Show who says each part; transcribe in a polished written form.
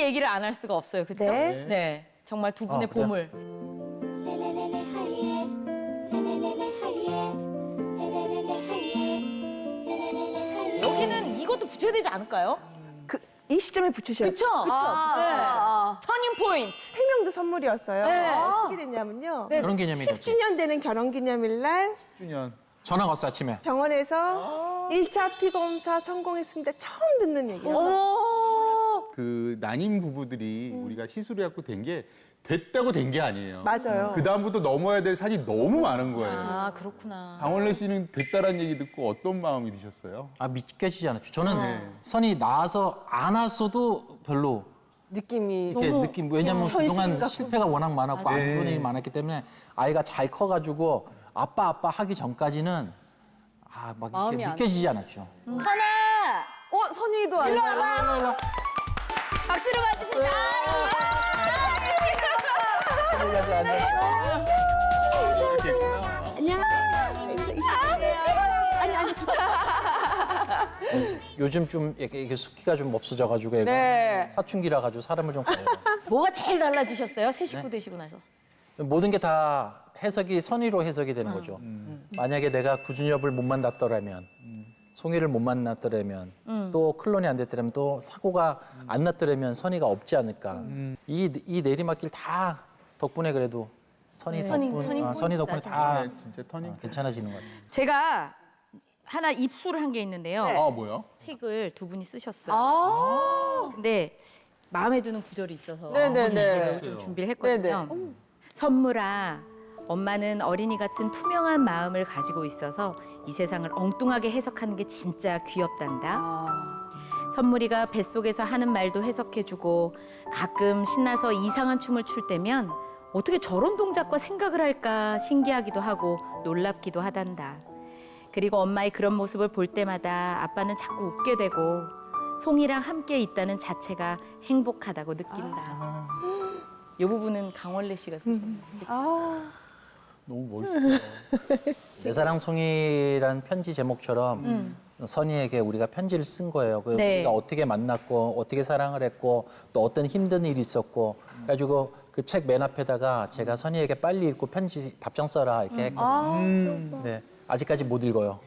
Speaker 1: 얘기를 안 할 수가 없어요. 그렇죠?
Speaker 2: 네.
Speaker 1: 네. 정말 두 분의
Speaker 3: 그래요?
Speaker 1: 보물. 여기는 이것도 붙여야 되지 않을까요?
Speaker 2: 이 시점에 붙이셔야
Speaker 1: 그쵸?
Speaker 2: 그쵸.
Speaker 1: 터닝 포인트.
Speaker 2: 태명도 선물이었어요.
Speaker 1: 네.
Speaker 2: 어떻게 됐냐면요.
Speaker 3: 결혼 기념일이었지.
Speaker 2: 10주년 되는 결혼기념일 날
Speaker 4: 10주년.
Speaker 3: 전화 왔어 아침에.
Speaker 2: 병원에서 1차 피검사 성공했는데 처음 듣는 얘기예요.
Speaker 4: 그 난임 부부들이 우리가 시술해갖고 된 게 됐다고 된 게 아니에요.
Speaker 2: 맞아요.
Speaker 4: 그 다음부터 넘어야 될 산이 너무 많은 거예요.
Speaker 1: 아, 그렇구나.
Speaker 4: 강원래 씨는 됐다라는 얘기 듣고 어떤 마음이 드셨어요?
Speaker 3: 아 믿겨지지 않았죠. 저는
Speaker 4: 네.
Speaker 3: 선이 나와서 안 왔어도 별로
Speaker 2: 느낌이
Speaker 3: 이렇게 느낌. 왜냐면 그동안
Speaker 2: 현실감.
Speaker 3: 실패가 워낙 많았고 안
Speaker 4: 네.
Speaker 3: 좋은 일이 많았기 때문에 아이가 잘 커가지고 아빠 하기 전까지는 막 이렇게 믿겨지지 않았죠.
Speaker 1: 선아!
Speaker 2: 선이도 안
Speaker 1: 일로
Speaker 2: 나와.
Speaker 1: 와봐! 박수를 맞춥시다.
Speaker 3: 요즘 좀 이게 숫기가 좀 없어져가지고 애가
Speaker 1: 네.
Speaker 3: 사춘기라 가지고 사람을 좀 가요.
Speaker 1: 뭐가 제일 달라지셨어요? 새 식구 되시고 나서.
Speaker 3: 모든 게 다 해석이 선의로 해석이 되는 거죠. 만약에 내가 구준엽을 못 만났더라면, 송이를 못 만났더라면, 또 클론이 안 됐더라면, 또 사고가 안 났더라면 선의가 없지 않을까. 이 내리막길 다 덕분에 그래도 선의 덕분에 다
Speaker 4: 네, 진짜 터닝.
Speaker 3: 괜찮아지는 것 같아요.
Speaker 1: 제가 하나 입수를 한 게 있는데요.
Speaker 4: 아, 뭐요?
Speaker 1: 책을 두 분이 쓰셨어요. 근데 마음에 드는 구절이 있어서 제가 좀 준비를 했거든요. 선물아, 엄마는 어린이 같은 투명한 마음을 가지고 있어서 이 세상을 엉뚱하게 해석하는 게 진짜 귀엽단다. 선물이가 뱃속에서 하는 말도 해석해주고 가끔 신나서 이상한 춤을 출 때면 어떻게 저런 동작과 생각을 할까 신기하기도 하고 놀랍기도 하단다. 그리고 엄마의 그런 모습을 볼 때마다 아빠는 자꾸 웃게 되고 송이랑 함께 있다는 자체가 행복하다고 느낀다. 이 부분은 강원래 씨가 쓰셨어요.
Speaker 4: 너무 멋있어요.
Speaker 3: 내 사랑 송이란 편지 제목처럼 선희에게 우리가 편지를 쓴 거예요.
Speaker 1: 네.
Speaker 3: 우리가 어떻게 만났고 어떻게 사랑을 했고 또 어떤 힘든 일이 있었고 그래가지고 그 책 맨 앞에다가 제가 선희에게 빨리 읽고 편지 답장 써라 이렇게 했거든요. 네, 아직까지 못 읽어요.